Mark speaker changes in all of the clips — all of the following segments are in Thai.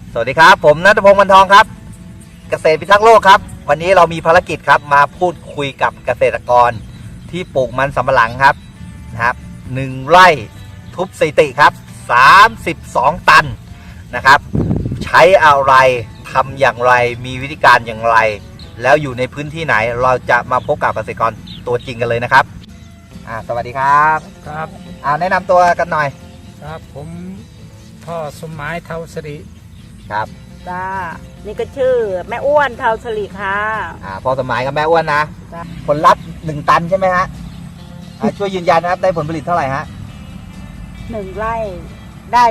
Speaker 1: สวัสดีครับผมณัฐพงศ์วรรณทองครับเกษตรพิทักษ์โลกครับวันนี้เรามีภารกิจครับมาพูดคุยกับเกษตรกรที่ปลูกมันสำปะหลังครับนะครับ1 ไร่ทุบสถิติครับ32 ตันนะครับใช้อะไรทำอย่างไรมีวิธีการอย่างไรแล้วอยู่ในพื้นที่ไหนเราจะมาพบกับเกษตรกรตัวจริงกันเลยนะครับสวัสดีครับ
Speaker 2: ครับ
Speaker 1: แนะนำตัวกันหน่อย
Speaker 2: ครับผมพ่อสมหมายเทาสิริ
Speaker 1: ครับ
Speaker 3: จ้านี่ก็ชื่อแม่อ้วนเทาสลีค่ะ
Speaker 1: พ่อสมหมายกับแม่อ้วนนะผลลัพธ์1 ตันใช่ไหมฮะช่วยยืนยันนะครับได้ผลผลิตเท่าไหร่ฮะ
Speaker 3: 1 ไร่ได้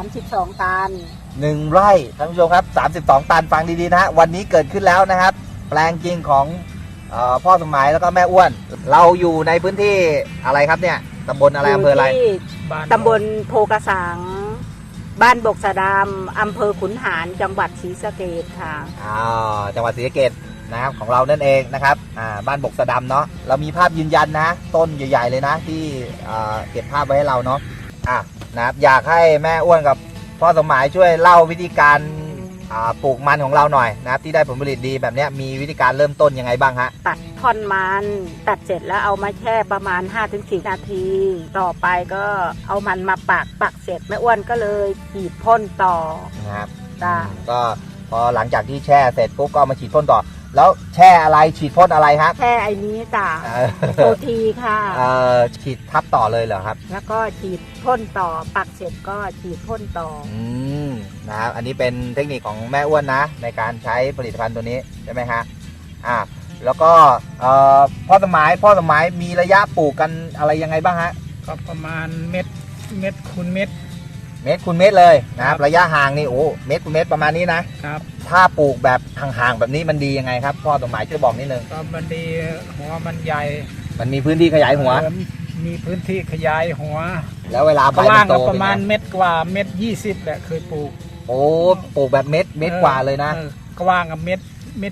Speaker 3: 32 ตัน
Speaker 1: 1 ไร่ท่านผู้ชมครับ32 ตันฟังดีๆนะฮะวันนี้เกิดขึ้นแล้วนะครับแปลงจริงของพ่อสมหมายแล้วก็แม่อ้วนเราอยู่ในพื้นที่อะไรครับเนี่ยตำบลอะไรอำเภออะไร
Speaker 3: ตำบลโพกระสังบ้านบกสะดามอำเภอขุนหารจังหวัดศรีสะเกษค่ะ
Speaker 1: จังหวัดศรีสะเกษนะครับของเรานั่นเองนะครับบ้านบกสะดามเนาะเรามีภาพยืนยันนะต้นใหญ่ๆเลยนะที่เก็บภาพไว้ให้เราเนาะนะครับอยากให้แม่อ้วนกับพ่อสมหมายช่วยเล่าวิธีการปลูกมันของเราหน่อยนะครับที่ได้ผลผลิตดีแบบนี้มีวิธีการเริ่มต้นยังไงบ้างฮะ
Speaker 3: ตัดท่อนมันตัดเสร็จแล้วเอามาแช่ประมาณ 5-4 นาทีต่อไปก็เอามันมาปักเสร็จแม่อ้วนก็เลยฉีดพ่นต่อ
Speaker 1: นะครับ
Speaker 3: ก็
Speaker 1: พอหลังจากที่แช่เสร็จปุ๊บก็มาฉีดพ่นต่อแล้วแช่อะไรฉีดพ่นอะไรครับ
Speaker 3: แช่ไอ้นี้จ้ะโปรทีค่ะ
Speaker 1: ฉีดทับต่อเลยเหรอครับ
Speaker 3: แล้วก็ฉีดพ่นต่อปักเสร็จก็ฉีดพ่นต่อ
Speaker 1: นะครับอันนี้เป็นเทคนิคของแม่อ้วนนะในการใช้ผลิตภัณฑ์ตัวนี้ใช่ไหมฮะแล้วก็พ่อสมหมายมีระยะปลูกกันอะไรยังไงบ้างฮะ
Speaker 2: ก็ประมาณเม็ดคูณเม็ด
Speaker 1: คูณเม็ดเลยนะครับระยะห่างนี่เม็ดคูณเม็ดประมาณนี้นะครับถ้าปลูกแบบห่างๆแบบนี้มันดียังไงครับพ่อสมหมายช่วยบอกนิดนึง
Speaker 2: ก็มันดีหัวมันใหญ่
Speaker 1: มันมีพื้นที่ขยายหัว
Speaker 2: มีพื้นที่ขยายหัว
Speaker 1: แล้วเวลาใบ
Speaker 2: มันโตประมาณ1 เม็ด20แหละเคยปลูก
Speaker 1: ปลูกแบบเม็ดกว่าเลยนะ
Speaker 2: กว้างกับเม็ด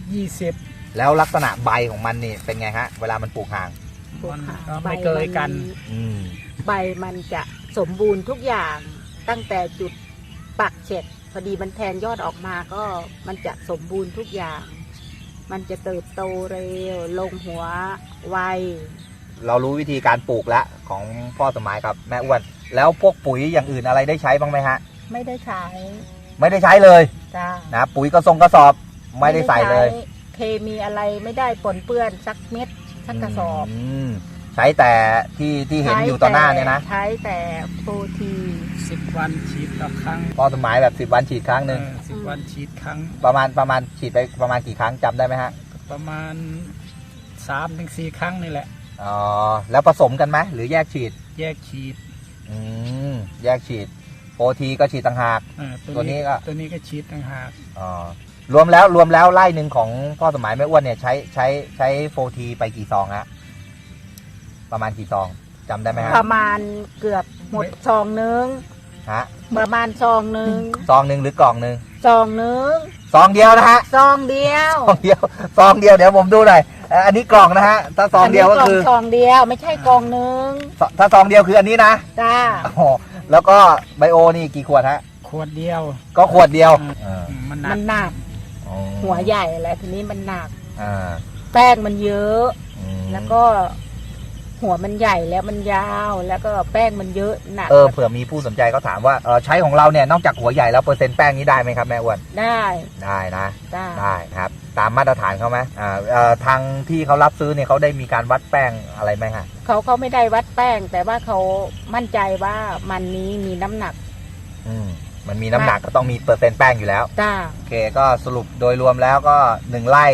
Speaker 2: 20
Speaker 1: แล้วลักษณะใบของมันนี่เป็นไงฮะเวลามันปลูกห่าง
Speaker 2: ไม่เกยกัน
Speaker 3: ใบมันจะสมบูรณ์ทุกอย่างตั้งแต่จุดปักเสร็จพอดีมันแทนยอดออกมาก็มันจะสมบูรณ์ทุกอย่างมันจะเติบโตเร็วลงหัวไว
Speaker 1: เรารู้วิธีการปลูกแล้วของพ่อสมหมายครับแม่อ้วนแล้วพวกปุ๋ยอย่างอื่นอะไรได้ใช้บ้างไหมฮะ
Speaker 3: ไม่ได้ใช้
Speaker 1: เลย
Speaker 3: จ้า
Speaker 1: นะปุ๋ยกระสอบไม่ได้ใส่เลย
Speaker 3: เคมีอะไรไม่ได้ปนเปื้อนสักเม็ดสักกระสอบ
Speaker 1: ใช้แต่ที่เห็นอยู่ต่อหน้าเนี่ยนะ
Speaker 3: ใช้แต่โปรที
Speaker 2: 10 วันฉีดต่อครั้ง
Speaker 1: พ่อสมหมายแบบ10 วันฉีดครั้งหนึ่ง
Speaker 2: 10 วันฉีดครั้ง
Speaker 1: ประมาณฉีดไปประมาณกี่ครั้งจำได้ไหมฮะ
Speaker 2: ประมาณ3-4 ครั้งนี่แหละ
Speaker 1: แล้วผสมกันไหมหรือแยกฉีด
Speaker 2: แยกฉีด
Speaker 1: แยกฉีดโปรทีก็ฉีดต่างหากตัวนี้
Speaker 2: ก็ฉีดต่างหาก
Speaker 1: รวมแล้วไร่หนึ่งของพ่อสมหมายแม่อ้วนเนี่ยใช้โปรทีไปกี่ซองฮะประมาณกี่ซองจำได้ไหมฮะ
Speaker 3: ประมาณเกือบหมดซองนึง
Speaker 1: ฮะ
Speaker 3: ประมาณซองนึง
Speaker 1: หรือกล่องนึง
Speaker 3: ซองนึง
Speaker 1: ซองเดียวนะฮะ
Speaker 3: ซองเดียว
Speaker 1: เดี๋ยวผมดูหน่อยอันนี้กล่องนะฮะถ้าซองเดียวก็คือ
Speaker 3: ซองเดียวไม่ใช่กล่องนึง
Speaker 1: ถ้าซองเดียวคืออันนี้นะ
Speaker 3: จ้า
Speaker 1: แล้วก็ไบโอนี่กี่ขวดฮะ
Speaker 2: ขวดเดียว
Speaker 1: ก็ขวดเดียว
Speaker 3: มันหนักหัวใหญ่อะไรทีนี้มันหนักแป้งมันเยอะแล้วก็หัวมันใหญ่แล้วมันยาวแล้วก็แป้งมันเยอะหนัก
Speaker 1: เผื่อมีผู้สนใจเขาถามว่าใช้ของเราเนี่ยนอกจากหัวใหญ่แล้วเปอร์เซ็นต์แป้งนี้ได้ไหมครับแม่อ้วน
Speaker 3: ได้
Speaker 1: นะได้ครับตามมาตรฐานเขาไหมทางที่เขารับซื้อเนี่ยเขาได้มีการวัดแป้งอะไรไหมฮะ
Speaker 3: เขาไม่ได้วัดแป้งแต่ว่าเขามั่นใจว่ามันนี้มีน้ำหนัก
Speaker 1: มันมีน้ำหนักก็ต้องมีเปอร์เซ็นต์แป้งอยู่แล้วโอเคก็สรุปโดยรวมแล้วก็1 ไร่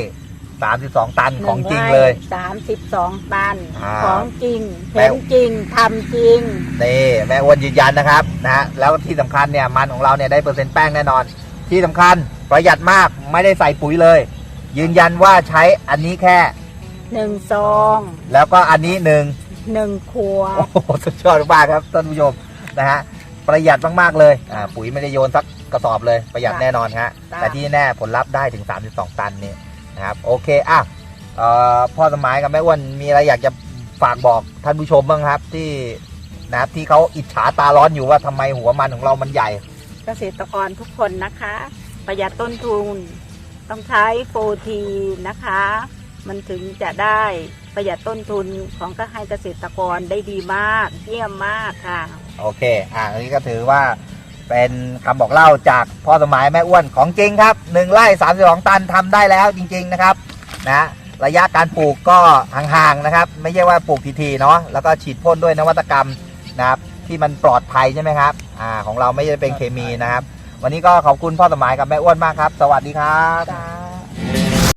Speaker 1: 32 ตันของจริงเลย
Speaker 3: 32 ตันของจริงเห็นจริงทำจริง
Speaker 1: นี่แม่อ้วนยืนยันนะครับนะแล้วที่สำคัญเนี่ยมันของเราเนี่ยได้เปอร์เซ็นต์แป้งแน่นอนที่สำคัญประหยัดมากไม่ได้ใส่ปุ๋ยเลยยืนยันว่าใช้อันนี้แค่
Speaker 3: 1 ซอง
Speaker 1: แล้วก็อันนี้
Speaker 3: 1 ขวด
Speaker 1: โอ้โหสุดยอดมากครับท่านผู้ชมนะฮะประหยัดมากๆเลยปุ๋ยไม่ได้โยนสักกระสอบเลยประหยัดแน่นอนฮะแต่ที่แน่ผลลัพธ์ได้ถึง32 ตันนี่นะครับโอเคพ่อสมหมายกับแม่อ้วนมีอะไรอยากจะฝากบอกท่านผู้ชมบ้างครับที่เขาอิจฉาตาร้อนอยู่ว่าทำไมหัวมันของเรามันใหญ่
Speaker 3: เกษตรกรทุกคนนะคะประหยัดต้นทุน ต้องใช้โฟทีนะคะ มันถึงจะได้ประหยัดต้นทุนของก็ให้เกษตรกรได้ดีมากเยี่ยมมากค่ะ
Speaker 1: โอเคอันนี้ก็ถือว่าเป็นคำบอกเล่าจากพ่อสมัยแม่อ้วนของจริงครับ1 ไร่ 32 ตันทำได้แล้วจริงๆนะครับนะระยะการปลูกก็ห่างๆนะครับไม่ใช่ว่าปลูกทีๆเนาะแล้วก็ฉีดพ่นด้วยนวัตกรรมนะครับที่มันปลอดภัยใช่ไหมครับของเราไม่ได้เป็นเคมีนะครับวันนี้ก็ขอบคุณพ่อสมัยกับแม่อ้วนมากครับสวัสดีครับ